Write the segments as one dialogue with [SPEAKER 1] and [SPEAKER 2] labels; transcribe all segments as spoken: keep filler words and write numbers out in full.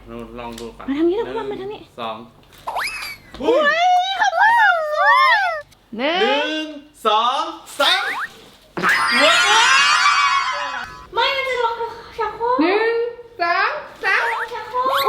[SPEAKER 1] ลองดูก่อน
[SPEAKER 2] มาทางนี้แล้วมาทางนี้
[SPEAKER 1] สอง
[SPEAKER 2] อุ้ยขอบคุณหนึ่
[SPEAKER 1] หนึ่
[SPEAKER 2] ง
[SPEAKER 1] งสองสามว้าว
[SPEAKER 3] ไม่มันจะลงชักโครก
[SPEAKER 2] หนึ่งสองสาม
[SPEAKER 3] ลงชักโครก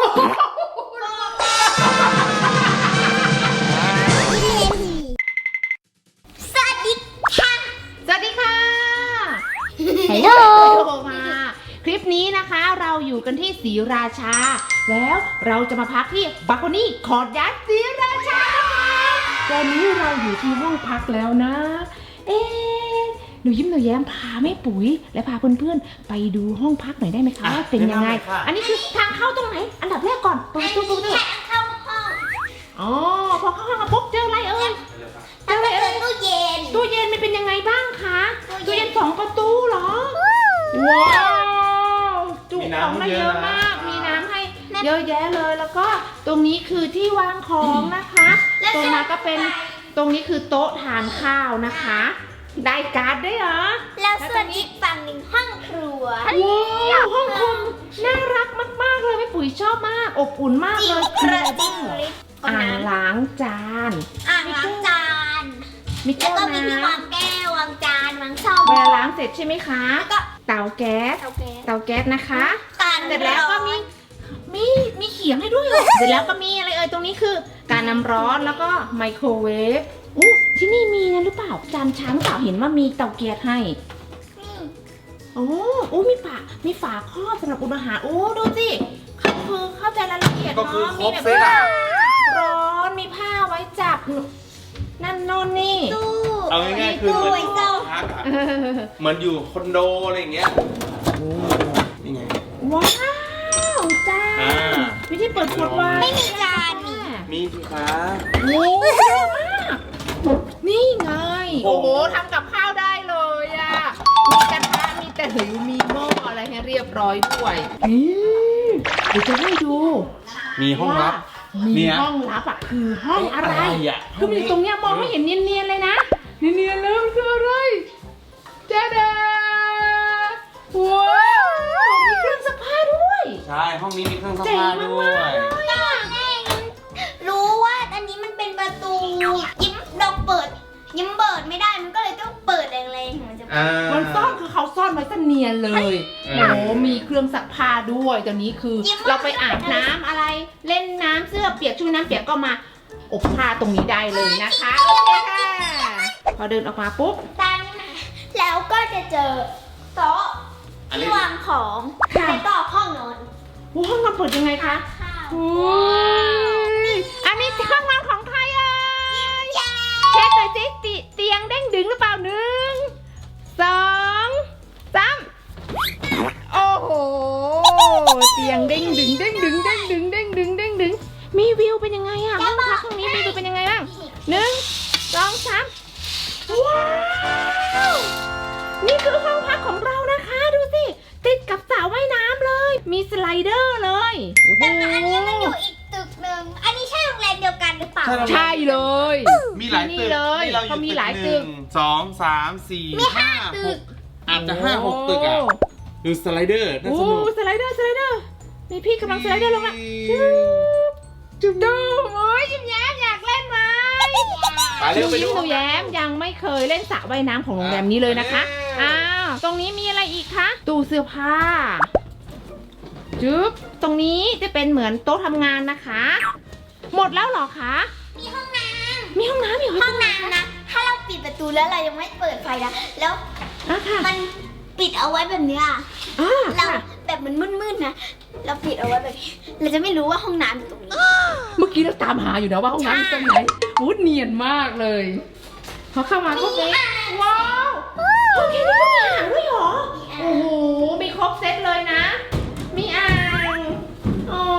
[SPEAKER 3] สวัสดีค่ะ
[SPEAKER 2] สวัสดีค่ะ
[SPEAKER 3] ฮัลโหล
[SPEAKER 2] มาคลิปนี้นะคะเราอยู่กันที่ศรีราชา แล้วเราจะมาพักที่บัคโคนี่คอร์ดยัดศรีราชาตอนนี้เราอยู่ที่ห้องพักแล้วนะ เอ๊ะหนูยิ้มหนูแย้มพาแม่ปุ๋ยและพาเพื่อนๆไปดูห้องพักหน่อยได้ไหมคะว่าเป็นยังไงอันนี้คือทางเข้าตรงไหนอันดับแรกก่อนเปิดประตูประตู
[SPEAKER 3] เข้าห้อง
[SPEAKER 2] อ๋อพอเข้าห้องมาปุ๊บเจออะไรเอ่ย
[SPEAKER 3] แล้วก็เจอตู้เย็น
[SPEAKER 2] ตู้เย็นมันเป็นยังไงบ้างคะ
[SPEAKER 3] ตู้
[SPEAKER 2] ตู้
[SPEAKER 3] เย็
[SPEAKER 2] เย็
[SPEAKER 3] น
[SPEAKER 2] นสองประตูเหรอว้าวจุของได้เยอะมากมีน้ำให้เยอะแยะเลยแล้วก็ตรงนี้คือที่วางของนะคะตรงนั้นก็เป็นตรงนี้คือโต๊ะทานข้าวนะคะได้การ์ดด้วยเหรอ
[SPEAKER 3] แล้วส่วนอีกฝั่งหนึ่งห้องครัว
[SPEAKER 2] ว้าวห้องคอมน่ารักมากๆเลยแม่ปุ๋ยชอบมากอบอุ่นมาก
[SPEAKER 3] จิ๋
[SPEAKER 2] เล
[SPEAKER 3] วย กระดิ่งลิฟต์
[SPEAKER 2] อ่างล้างจาน
[SPEAKER 3] อ่างล้างจาน
[SPEAKER 2] มี
[SPEAKER 3] แล้ว
[SPEAKER 2] แก้ว
[SPEAKER 3] ก็มีที่
[SPEAKER 2] น้ำ
[SPEAKER 3] วางแก้ววางจานวางซ่อม
[SPEAKER 2] เวลาล้างเสร็จใช่ไหมคะ
[SPEAKER 3] แล้วก็
[SPEAKER 2] เตาแก๊ส
[SPEAKER 3] เตาแก๊ส
[SPEAKER 2] เตาแก๊สนะคะ
[SPEAKER 3] การ
[SPEAKER 2] เสร็จแล้วก็มีมีมีเขียงให้ด้วยเหรอเสร็จแล้วก็มีอะไรเอ่ยตรงนี้คือ การน้ำร้อนแล้วก็ไมโครเวฟอู้ที่นี่มีนะหรือเปล่าจานชามเปล่าเห็นว่ามีเตาแก๊สให้โอ้โอ้มีฝามีฝาครอบสำหรับอุ่นอาหารโอ้ดูสิเขาคือเข้าใจรายละเอียด
[SPEAKER 1] ก็คือ
[SPEAKER 2] เนาะ
[SPEAKER 1] คร
[SPEAKER 2] มี
[SPEAKER 1] บ
[SPEAKER 2] แบบ
[SPEAKER 1] เซตอ่ะ
[SPEAKER 2] ร้อนมีผ้าไว้จับนั่นโน่นนี่
[SPEAKER 3] ตู้
[SPEAKER 1] เอาง่ายๆคือเหมือน
[SPEAKER 3] ตู้ไว้เจ้า
[SPEAKER 1] พักอะเหมือนอยู่คอนโดอะไรอย่างเงี้ยนี่ไง
[SPEAKER 2] ว้าวจาน
[SPEAKER 1] อ่า
[SPEAKER 2] วิธีเปิดขวดไวน์
[SPEAKER 3] ไม่มีจานนี่
[SPEAKER 1] มีสิคะ
[SPEAKER 2] โอ้เยอะมาก นี่ไง
[SPEAKER 1] โอ้
[SPEAKER 2] โอ้
[SPEAKER 1] โห
[SPEAKER 2] โหทำกับข้าวได้เลยอ่ะ มีกระทะมีตะหลิวมีหม้ออะไรให้เรียบร้อยด้วยนี่เดี๋ยวจะให้ดู
[SPEAKER 1] มีห้องลับ
[SPEAKER 2] มี
[SPEAKER 1] เนี่ย
[SPEAKER 2] ห้องลับอ่ะคือห้องอะไร
[SPEAKER 1] อะไรอ่ะ
[SPEAKER 2] คือมันอยู่ตรงเนี้ยมองไม่เห็นเนียนๆเลยนะ เนียนๆเลยมันคืออะไรเจ๊ดาว้าวมีเครื่องซักผ้าด้วย
[SPEAKER 1] ใช่ห้องนี้มีเครื่องซัก
[SPEAKER 2] เจ๋ง
[SPEAKER 1] ผ้าด้
[SPEAKER 2] มาก
[SPEAKER 1] ว
[SPEAKER 2] ๆ
[SPEAKER 1] ย
[SPEAKER 2] เลยอะ
[SPEAKER 3] รู้ว่าอันนี้มันเป็นประตูยิ้มเราเปิด ยิ้มเปิดไม่ได้มันก็เลยต้องเปิดแรงๆมันจะ
[SPEAKER 1] อ่า
[SPEAKER 2] มันซ่อนคือเขาซ่อนไว้ซะเนียนเลย
[SPEAKER 1] เออ
[SPEAKER 2] โอ้มีเครื่องซักผ้าด้วยตอนนี้คือ เราไปอาบน้ำอะไร เล่นน้ำเสื้อเปียกชุดน้ำเปียกก็มาอบผ้าตรงนี้ได้เลยนะคะโอเคค่ะพอเดินออกมาปุ๊บ
[SPEAKER 3] ตามนี้นะแล้วก็จะเจอโต๊ะที่วางของแล้วก็ห้องนอน
[SPEAKER 2] โอ้ห้องนอนเปิดยังไงคะ
[SPEAKER 3] ข้าว
[SPEAKER 2] โอ้ยอันนี้ห้องนอนของใครเอ่ย
[SPEAKER 3] เย้
[SPEAKER 2] เช็คหน่อยสิติเตียงเด้งดึงหรือเปล่าหนึ่งสองสามโอ้โหเตียงเด้งดึงเด้งดึงเด้งดึงเด้งดึงเด้งดึงมีวิวเป็นยังไงอะห้องพักห้องนี้มีวิวเป็นยังไงบ้างหนึ่งสองสามว้าวนี่คือห้องพักของเรานะคะดูสิติดกับสระว่ายน้ำเลย มีสไลเดอร์เลยโอ้โห
[SPEAKER 3] แต่อันนี้มันอยู่อีกตึกหนึ่งอันนี้ใช่โรงแรมเดียวกันหรือเปล่า
[SPEAKER 2] ใช่เลย
[SPEAKER 1] มีหลาย
[SPEAKER 2] นี่
[SPEAKER 1] ตึก
[SPEAKER 2] เลย
[SPEAKER 1] นี่เราอ
[SPEAKER 2] เขา
[SPEAKER 1] ยู่
[SPEAKER 2] มี
[SPEAKER 1] ตึก
[SPEAKER 2] หลาย
[SPEAKER 1] ห
[SPEAKER 2] ตึ
[SPEAKER 1] นึ่
[SPEAKER 2] ก
[SPEAKER 1] งสองสามสี่
[SPEAKER 3] มีห้า
[SPEAKER 1] ห้า
[SPEAKER 3] ตึ
[SPEAKER 1] ห
[SPEAKER 3] ก
[SPEAKER 1] กอาจจะห้าหกตึกอ่ะดูสไลเดอร์น่า
[SPEAKER 2] โอ้
[SPEAKER 1] สนุก
[SPEAKER 2] สไลเดอร์สไลเดอร์มีพี่กำลังสไลเดอร์ลงละจุ๊บจุ๊บดูโอ้ยยิ้มแย้มอยากเล่นไหม
[SPEAKER 1] ไป
[SPEAKER 2] ห
[SPEAKER 1] เร็
[SPEAKER 2] นู
[SPEAKER 1] วไป
[SPEAKER 2] ยิ้
[SPEAKER 1] ดู
[SPEAKER 2] มหนูแย้มยังไม่เคยเล่นสระว่ายน้ำของโรงแรมนี้เลยนะคะอ้าวตรงนี้มีอะไรอีกคะตู้เสื้อผ้าจุ๊บตรงนี้จะเป็นเหมือนโต๊ะทำงานนะคะ หมดแล้วเหรอคะ
[SPEAKER 3] มีห้องน้
[SPEAKER 2] มีห้องน้ำอีก
[SPEAKER 3] ำห้องน้ำนะ ถ้าเราปิดประตูแล้วเรายังไม่เปิดไฟนะ แล้ว
[SPEAKER 2] อ่ะค่ะ
[SPEAKER 3] มันปิดเอาไว้แบบเนี้ย
[SPEAKER 2] อ่า
[SPEAKER 3] เรา
[SPEAKER 2] ค่ะ
[SPEAKER 3] แบบมันมืดๆนะ เราปิดเอาไว้แบบนี้ เราจะไม่รู้ว่าห้องน้ำอยู่ตรงนี้
[SPEAKER 2] เมื่อกี้เราตามหาอยู่นะว่าห้องน้ำอยู่ตรงไหนวูดเนียนมากเลยพอเข้ามาก็เป็นว้าวห้องแค่นี้ก็มีอ่างด้วยเหรอ โอ้โห มีครบเซตเลยนะ มีอ่างโอ้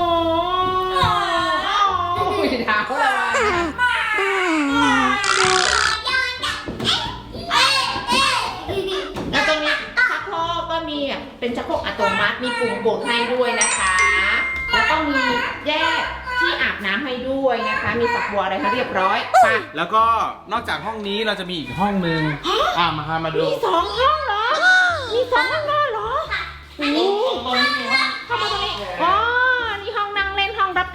[SPEAKER 2] ยเท้าเลยแล้วตรงนี้ชักโครกก็มีอ่ะเป็นชักโครกอัตโนมัติ มีปุ่มกดให้ด้วยนะคะ แล้วก็มีแยกที่อาบน้ำให้ด้วยนะคะ มีฝักบัวอะไรให้เรียบร้อยไป
[SPEAKER 1] แล้วก็นอกจากห้องนี้เราจะมีอีกห้องหนึ่งอ่ามาค่ะมาดู
[SPEAKER 2] มีสองห้องเหรอ มีสองห้องนอนเหรอโอ้โห
[SPEAKER 1] ตรงนี้มีห้อง
[SPEAKER 2] เข้ามาตรงนี้อ๋อนี่ห้องนั่งเล่น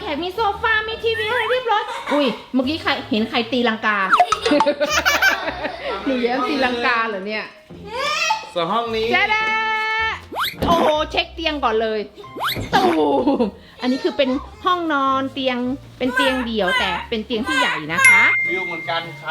[SPEAKER 2] กมีโซฟา มีทีวีอะไรเรียบร้อยอุ้ยเมื่อกี้ใครเห็นใครตีลังกา หนูแย้มตีลังกาเหรอเนี่ย
[SPEAKER 1] ส่วนห้องนี้
[SPEAKER 2] จ้าดาโอ้โหเช็คเตียงก่อนเลยตูมอันนี้คือเป็นห้องนอนเตียงเป็นเตียงเดี่ยวแต่เป็นเตียงที่ใหญ่นะคะ
[SPEAKER 1] วิวเหมือนกันค่ะ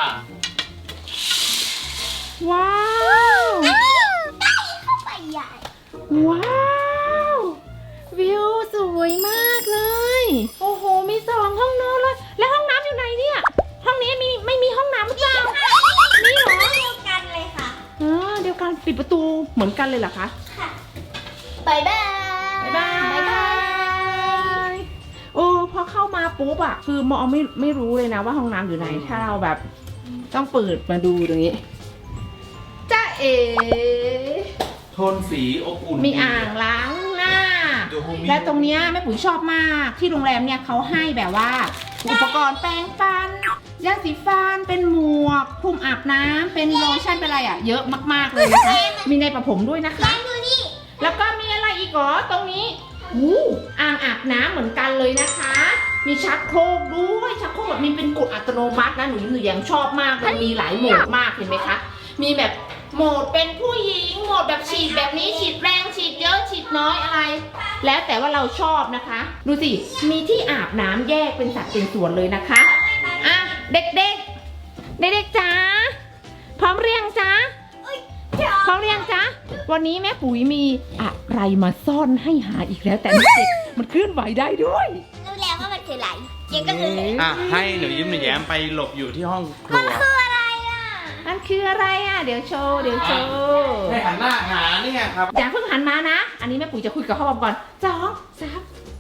[SPEAKER 2] ว้าว
[SPEAKER 3] เข้าไปใหญ่
[SPEAKER 2] ว้าววิวสวยมากเลยโอ้โหมีสองห้องนอนเลยแล้วห้องน้ำอยู่ไหนเนี่ยห้องนี้มีไม่มีห้องน้ำหรือเปล่ามีเหรอ
[SPEAKER 3] เดียวกันเลยค่ะ
[SPEAKER 2] อ๋อเดียวกันปิดประตูเหมือนกันเลยเหรอคะ
[SPEAKER 3] ค่ะบายบาย
[SPEAKER 2] บ๊ายบายโอ้พอเข้ามาปุ๊บอะคือมองไม่ไม่รู้เลยนะว่าห้องน้ำอยู่ไหนถ้าเราแบบต้องเปิดมาดูตรงนี้จ้าเอ๋
[SPEAKER 1] โทนสีอบอุ่น
[SPEAKER 2] มีอ่างล้างหน้า
[SPEAKER 1] ดูห้องนี้
[SPEAKER 2] และตรงเนี้ยแม่ปุ๋ยชอบมากที่โรงแรมเนี่ยเขาให้แบบว่า อุปกรณ์แปรงฟันยาสีฟันเป็นหมวกคลุมอาบน้ำเป็นโลชั่นเป็นอะไรอะเยอะมากๆเลยนะคะมีในประผมด้วยนะคะ
[SPEAKER 3] ดูนี่
[SPEAKER 2] แล้วก็มีอะไรอีกเหรอตรงนี้หูอ่างอาบน้ำเหมือนกันเลยนะคะ มีชักโครกด้วยชักโครกแบบมีเป็นกดอัตโนมัตินะหนูหนูยังชอบมากมันมีหลายโหมดมากเห็นไหมคะมีแบบโหมดเป็นผู้หญิงโหมดแบบฉีดแบบนี้ฉีดแรงฉีดเยอะฉีดน้อยอะไร แล้วแต่ว่าเราชอบนะคะ ดูสิมีที่อาบน้ำแยกเป็นสัดเป็นส่วนเลยนะคะอ่ะเด็กๆเด็กๆจ๋าพร้อมเรียงจ๊ะ พร้อมเรียงจ๊ะวันนี้แม่ปุ๋ยมีอะไรมาซ่อนให้หาอีกแล้วแต่ไม่เจ็บมันเคลื่อนไหวได้ด้วย
[SPEAKER 3] รู้แล้วว่ามันคืออะไรเจ๊ก็คือ
[SPEAKER 1] อ่ะให้หนูยิ้มหนูแย้มไปหลบอยู่ที่ห้องครั
[SPEAKER 3] มัน
[SPEAKER 1] ว
[SPEAKER 3] คืออะไรอ่ะ
[SPEAKER 2] มันคืออะไรอ่ะเดี๋ยวโชว์เดี๋ยวโชว์
[SPEAKER 1] ให้หันหน้าหาเนี่ยครับ
[SPEAKER 2] อย่าเพิ่งหันมานะ อันนี้แม่ปุ๋ยจะคุยกับพ่อบอมก่อนสองสาม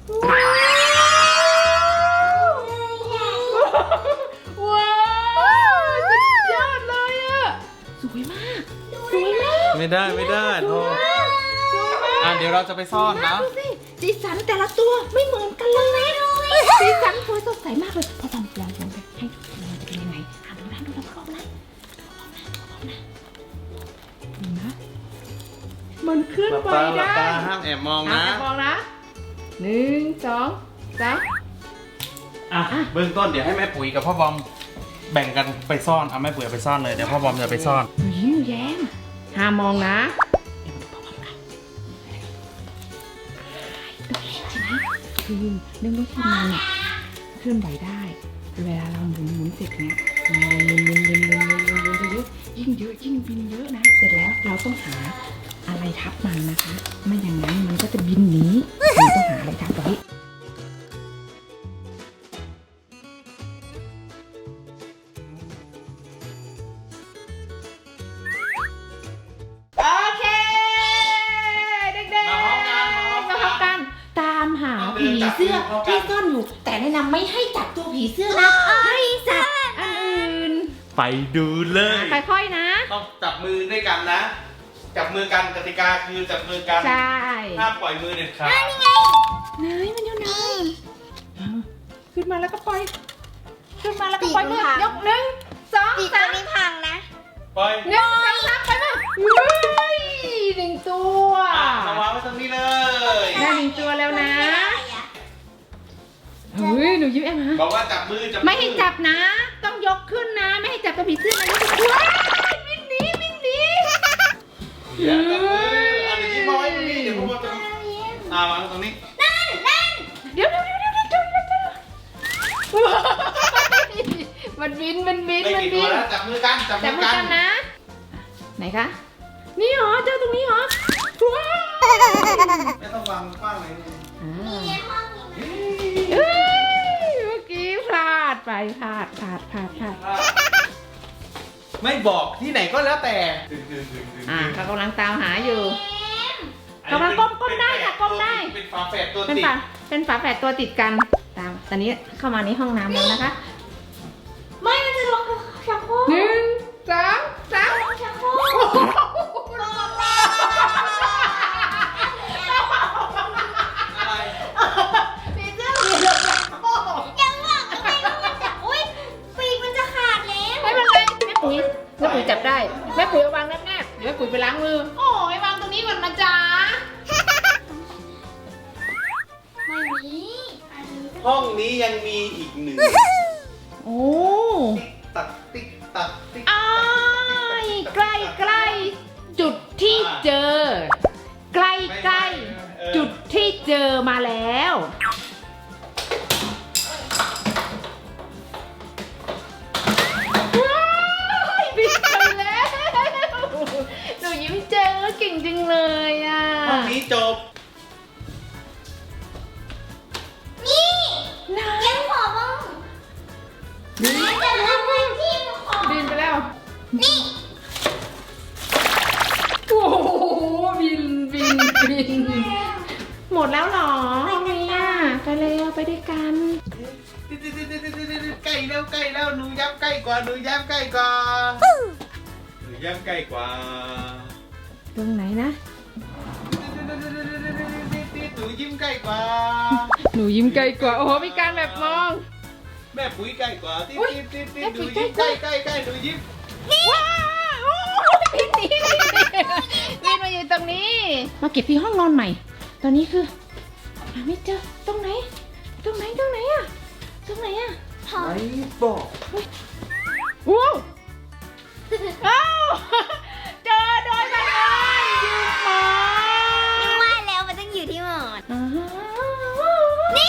[SPEAKER 2] ว้าวสุดยอดเลยอ่ะสวยมากสวยมาก
[SPEAKER 1] ไม่ได้ไม่ได้โทษ
[SPEAKER 2] สวยมาก
[SPEAKER 1] อ่ะเดี๋ยวเราจะไปซ่อนนะ
[SPEAKER 2] ดูสิสีสันแต่ละตัวไม่เหมือนกันเลยนะสีสันสวยสดใสมากเลยพอลองลองลองไปให้ดูมันจะเป็นยังไงอ่ะดูนะดูนะพร้อมนะดูนะมันเคลื่อนไหว
[SPEAKER 1] หลับ
[SPEAKER 2] ได้
[SPEAKER 1] ตาห้ามแอบมอง
[SPEAKER 2] อ่ะ
[SPEAKER 1] นะ
[SPEAKER 2] มองนะหนึ่งสองสาม
[SPEAKER 1] อ่ะเบื้องต้นเดี๋ยวให้แม่ปุ๋ยกับพ่อบอมแบ่งกันไปซ่อนเอาแม่ปุ๋ยเอาไปซ่อนเลยเดี๋ยวพ่อบอมจะไปซ่อน
[SPEAKER 2] หนูยิ้มแย้มห้ามมองนะคือเรื่องรถที่มันเนี่ยเคลื่อนไหวได้ เวลาเราหมุนหมุนเสร็จเนี่ยหมุนหมุนหมุนหมุนหมุนหมุนหมุนหมุนเยอะยิ่งเยอะยิ่งบินเยอะนะเสร็จแล้วเราต้องหาอะไรทับมันนะคะไม่อย่างนั้นมันก็จะบินหนีเราต้องหาอะไรทับไว้โอเคเด็กๆ
[SPEAKER 1] มาพร้อมกัน
[SPEAKER 2] มาพร้อมกันตามหาผีเสื้อที่ซ่อนอยู่แต่แนะนำไม่ให้จับตัวผีเสื้อนะให้จับอันอื่น
[SPEAKER 1] ไปดูเลย
[SPEAKER 2] ค่อยๆนะ
[SPEAKER 1] ต้องจับมือด้วยกันนะ จับมือกันกติกาคือจับมือกัน
[SPEAKER 2] ใช่
[SPEAKER 1] ห้ามปล่อยมือเด็ดขาด
[SPEAKER 2] ไหนมันอยู่ไหนขึ้นมาแล้วก็ปล่อยขึ้นมาแล้วก็ปล่อยมือยกหนึ่งสอง
[SPEAKER 3] ปีก
[SPEAKER 2] สา
[SPEAKER 3] ตัว
[SPEAKER 2] ม
[SPEAKER 3] นี้พังนะ
[SPEAKER 1] ปล่อย
[SPEAKER 2] หนึ่งสองสามไปมาเฮ้ยหนึ่งตัว
[SPEAKER 1] อ่ะมาวางไว้ตรงนี้เลย
[SPEAKER 2] ได้หนึ่งตัวแล้วนะเฮ้ยหนูยิ้มแอมฮะ
[SPEAKER 1] บอกว่าจับมือจับ
[SPEAKER 2] ไม่ให้จับนะ ต้องยกขึ้นนะ ไม่ให้จับตัวผีเสื้อนะว้ายวิ่งหนีวิ่งหนี
[SPEAKER 1] อย่าจับมืออันนี้มาไว้ตรงนี้เดี๋ยวพ่อบอมจะอ่าวางไว้ตรงนี้
[SPEAKER 2] เดี๋ยวเดี๋ยวเดี๋ยวเดี๋ยวเดี๋ยวเดี๋ยวเดี๋ยวมันบินมันบิน
[SPEAKER 1] ไม่
[SPEAKER 2] มัน
[SPEAKER 1] กี่
[SPEAKER 2] บิ
[SPEAKER 1] ตัวน แล้วจับมือกันจับ
[SPEAKER 2] แต่
[SPEAKER 1] มือ
[SPEAKER 2] มือ
[SPEAKER 1] กัน
[SPEAKER 2] กันนะ ไหนคะ นี่เหรอเจอตรงนี้เหรอว้าว
[SPEAKER 1] ไม่ต้องวางกว้างเลย
[SPEAKER 2] อ่า
[SPEAKER 3] ในห้องนี้
[SPEAKER 2] เอ้ยเมื่อกี้พลาดไปพลาดพลาดพลาดพลาด
[SPEAKER 1] ไม่บอกที่ไหนก็แล้วแต่
[SPEAKER 2] อ่าเขากำลังตามหาอยู่ กำลังก้มก้มได้ค่ะก้มได้
[SPEAKER 1] เป็นฝาแฝดตัว
[SPEAKER 2] เป็น
[SPEAKER 1] ติด
[SPEAKER 2] ฝาเป็นฝาแฝดตัวติดกัน ตาม ตอนนี้เข้ามาในห้องน้ำแล้วนะคะ
[SPEAKER 3] ไม่มันจะลงชักโครก
[SPEAKER 2] หนึ่งสองสาม
[SPEAKER 3] ลงชักโครกลงแล้ว
[SPEAKER 1] อะไร
[SPEAKER 2] ผีเสื้อหลุดเลยโอ้โห
[SPEAKER 3] ยังบอกทำไมว่ามันจะอุ้ยปีกมันจะขาดแล้ว
[SPEAKER 2] ไม่เป็นไรแม่ปุ๋ยแม่ปุ๋ยจับได้ แม่ปุ๋ยเอาวางแนบๆเดี๋ยวแม่ปุ๋ยไปล้างมือ โอ้ยวางตรงนี้ก่อนนะจ๊ะ
[SPEAKER 3] ไม่มีอันนี้ก็
[SPEAKER 1] ห้องนี้ยังมีอีกหนึ่ง
[SPEAKER 2] โอ้
[SPEAKER 1] ติ๊กตักติ๊กตักติ๊ก
[SPEAKER 2] อ้ายใกล้ใกล้จุดที่เจอ ใกล้ใกล้จุดที่เจอมาแล้วว้ายบินไปแล้วหนูยิ้มเจอเก่งจังเลยอ่ะ
[SPEAKER 1] ห้องนี้จบ
[SPEAKER 3] นี่
[SPEAKER 2] ไหน
[SPEAKER 3] ยังขอบ้างมันจะทำให้ที่ขอ
[SPEAKER 2] บินไปแล้ว
[SPEAKER 3] นี่
[SPEAKER 2] โอ้โหบินบินบินหมดแล้วเหรอห้องนี้อ่ะไปเร็วไปด้วยกัน
[SPEAKER 1] ใกล้แล้วใกล้แล้วหนูย้ำใกล้กว่าหนูย้ำใกล้กว่าหนูย้ำใกล้กว่า
[SPEAKER 2] ตรงไหนนะ
[SPEAKER 1] หนูยิ้มใกล้กว่า
[SPEAKER 2] หนูยิ้มไกลกว่าโอ้โหมีการแบบมอง
[SPEAKER 1] แม่ปุ๋ยใกล้กว่าติ๊ด
[SPEAKER 2] อุ๊ย
[SPEAKER 1] ติ๊ดติ๊ด
[SPEAKER 2] แม่
[SPEAKER 1] ห
[SPEAKER 2] ปุ๋
[SPEAKER 1] นู
[SPEAKER 2] ยใกล้
[SPEAKER 1] ยิ้ม
[SPEAKER 2] ก
[SPEAKER 1] ใก
[SPEAKER 2] ว่า
[SPEAKER 1] ล้ใกล้ใกล้หนูยิ้ม
[SPEAKER 2] ว้าวโอ้ยบินหนีบินมาอยู่ตรงนี้ มาเก็บที่ห้องนอนใหม่ ตอนนี้คือหาไม่เจอตรงไหน ตรงไหนตรงไหนอะตรงไหนอะ
[SPEAKER 3] ขอ
[SPEAKER 1] ไม่บอก
[SPEAKER 2] ว้าวอ้าวเจอโดยบังเอิญยืมหมอ
[SPEAKER 3] ยังว่าแล้วมันต้องอยู่ที่หมอน
[SPEAKER 2] อ่า
[SPEAKER 3] นี่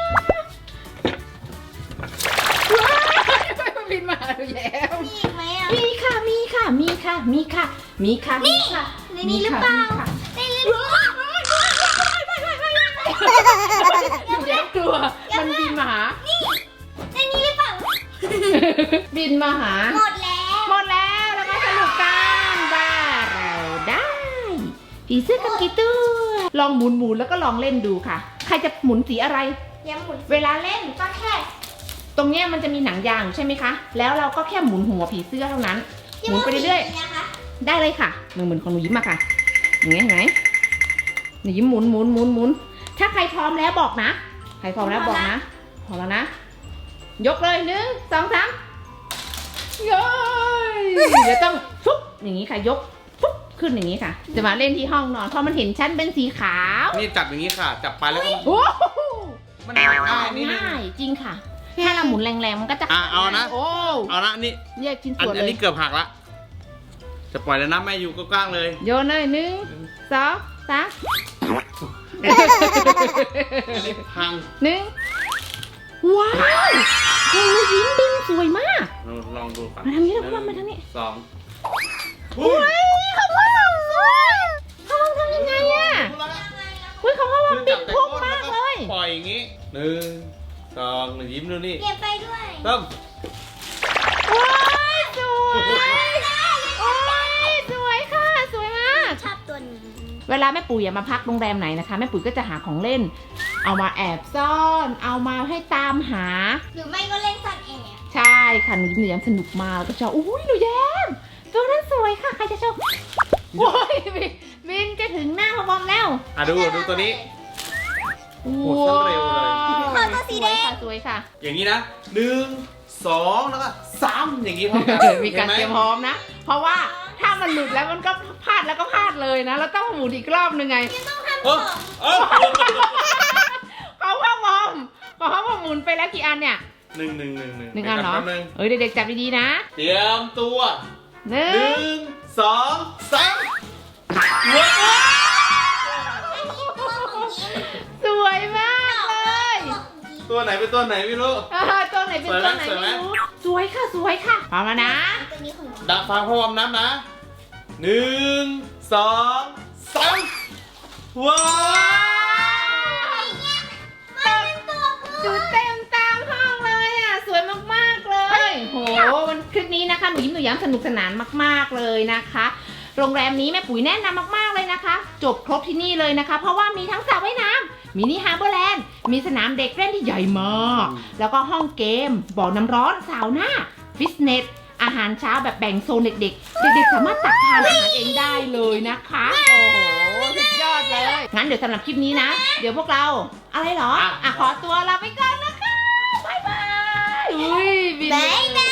[SPEAKER 2] ว้าวบินมาหาดูแล้ว
[SPEAKER 3] มีอีกไหมอ่ะ
[SPEAKER 2] มีค่ะ มีค่ะ มีค่ะ มีค่ะ มีค่ะ มีค่ะ
[SPEAKER 3] ในนี้หรือเปล่า
[SPEAKER 2] มีค่ะ
[SPEAKER 3] ในนี้หรือเปล่า
[SPEAKER 2] หนูแยกกลัว มันบินมาหา
[SPEAKER 3] นี่ในนี้หรือเปล่า
[SPEAKER 2] บินมาหา
[SPEAKER 3] หมดแล้ว
[SPEAKER 2] หมดแล้วแล้วมาสนุกกันว่าเราได้ผีเสื้อกันกี่ตัวลองหมุนหมุนแล้วก็ลองเล่นดูค่ะ ใครจะหมุนสีอะไร
[SPEAKER 3] ยังหมุน
[SPEAKER 2] เวลาเล่นก็แค่ ตรงเนี้ยมันจะมีหนังยางอยู่ใช่ไหมคะ แล้วเราก็แค่หมุนหัวผีเสื้อเท่านั้น หมุนไปเรื่อย
[SPEAKER 3] ๆนะคะ
[SPEAKER 2] ๆได้เลยค่ะหนึ่งหมุนของหนูยิ้มมาค่ะอย่างเงี้ยเห็นไหมหนูยิ้มหมุนหมุนหมุนหมุนถ้าใครพร้อมแล้วบอกนะใครพร้อมแล้วบอกนะพร้อมแล้วนะยกเลยหนึ่งสองสามเย้ยเดี๋ยวต้องฟุ๊บอย่างนี้ค่ะยกฟุ๊บขึ้นอย่างนี้ค่ะ จะมาเล่นที่ห้องนอนเพราะมันเห็นชั้นเป็นสีขาว
[SPEAKER 1] นี่จับอย่างนี้ค่ะ จับไปแล้วก็
[SPEAKER 2] โอ้โห
[SPEAKER 1] มันง่ายนิดนึง
[SPEAKER 2] ง่ายจริงค่ะถ้าเราหมุนแรงๆมันก็จะ
[SPEAKER 1] อ่ะเอานะ
[SPEAKER 2] โอ้
[SPEAKER 1] เอานะนี่
[SPEAKER 2] แยกชิ้น
[SPEAKER 1] อัน
[SPEAKER 2] ส่วน
[SPEAKER 1] อัน
[SPEAKER 2] เล
[SPEAKER 1] นี้
[SPEAKER 2] ย
[SPEAKER 1] เกือบหักละจะปล่อยแล้วนะแม่อยู่ก็กว้างเลย
[SPEAKER 2] โยนเลยหนึ่งสองสาม
[SPEAKER 1] อันนี้พัง
[SPEAKER 2] หนึ่งว้าวโอ้ยยิ้มบินสวยมาก
[SPEAKER 1] เราลองดูก่อน
[SPEAKER 2] มาทางนี้แล้วพ่อมาทางนี้
[SPEAKER 1] สอง
[SPEAKER 2] เฮ้ยของพ่อเราสวยพ่อเราทำยังไงอะเฮ้ยของพ่อเราบินพุ่งมากเลย
[SPEAKER 1] ปล่อยอย่างงี้หนึ่งสองหนึ่งยิ้มดูนี่
[SPEAKER 3] เก็บไปด้วย
[SPEAKER 1] ต้ม
[SPEAKER 2] ว้ายสวยโอ้ยสวยค่ะสวยมาก
[SPEAKER 3] ชอบตัวนี้
[SPEAKER 2] เวลาแม่ปุ๋ยอะมาพักโรงแรมไหนนะคะแม่ปุ๋ยก็จะหาของเล่น เอามาแอบซ่อน เอามาให้ตามหา
[SPEAKER 3] หรือไม่ก็เล่นซ่อนแอบ
[SPEAKER 2] ใช่ค่ะหนูยิ้มหนูแย้มสนุกมากแล้วก็ชอบอุ้ยหนูแย้มตัวนั้นสวยค่ะใครจะชอบโอ้ยบินบินจะถึงหน้าพ่อบอมแล้ว
[SPEAKER 1] อ่ะดูดูตัวนี้ โอ้โหเส้นเร็วเลย
[SPEAKER 3] ขอตัวสีแดง
[SPEAKER 2] สวยค่ะ
[SPEAKER 1] อย่างนี้นะหนึ่งสองแล้วก็สามอย่างนี้พร้อมกัน
[SPEAKER 2] สวยค่ะมีการ
[SPEAKER 1] ห็นไห
[SPEAKER 2] เตรียมพร้อมนะ เพราะว่าถ้ามันหลุดแล้วมันก็พลาดแล้วก็พลาดเลยนะเราต้องหมุนอีกรอบหนึงไง
[SPEAKER 1] เออเออ
[SPEAKER 2] เขาพ่อบอมเขาพ่อบอมหมุนไปแล้วกี่อันเนี่ย
[SPEAKER 1] หนึ่งหนึ่งหนึ่งหนึ่ง
[SPEAKER 2] หนึ่งอันเหรอ
[SPEAKER 1] แป๊บนึง
[SPEAKER 2] เอ้ยเด็กๆจับดีๆนะ
[SPEAKER 1] เตรียมตัว
[SPEAKER 2] หนึ่
[SPEAKER 1] หนึ่
[SPEAKER 2] ง
[SPEAKER 1] งสองสามว้าว
[SPEAKER 2] สวยมากเลย
[SPEAKER 1] ตัวไหนเป็นตัวไหนไม่รู้
[SPEAKER 2] อ่าตัวไหนเป็นตัวไหน
[SPEAKER 1] สวยไหม
[SPEAKER 2] ไม่รู้สวยค่ะสวยค่ะพร้อมแล้วนะ
[SPEAKER 3] ตัวนี้ของหนู
[SPEAKER 1] ดังฟังพ่อวอมน้ำนะหนึ่งสองสามว้าว
[SPEAKER 3] มันเป็นตัวผู้
[SPEAKER 2] จุดเต็มตามห้องเลยอ่ะสวยมากๆเลยโหวันคลิปนี้นะคะหนูยิ้มหนูย้ำสนุกสนานมากๆเลยนะคะ โรงแรมนี้แม่ปุ๋ยแนะนำมากๆเลยนะคะ จบครบที่นี่เลยนะคะ เพราะว่ามีทั้งสระว่ายน้ำมินิฮาร์เบอร์แลนด์มีสนามเด็กเล่นที่ใหญ่มากแล้วก็ห้องเกมบ่อน้ำร้อนซาวน่าฟิตเนสอาหารเช้าแบบแบ่งโซนเด็กๆ เด็กๆสามารถตักทานอาหารเองได้เลยนะคะ โอ้โหสุดยอดเลย งั้นเดี๋ยวสำหรับคลิปนี้นะ เดี๋ยวพวกเราอะไรเหรอ อ่ะขอตัวลาไปก่อนนะคะ บ๊ายบายอุ้ยบิน
[SPEAKER 3] บ๊ายบาย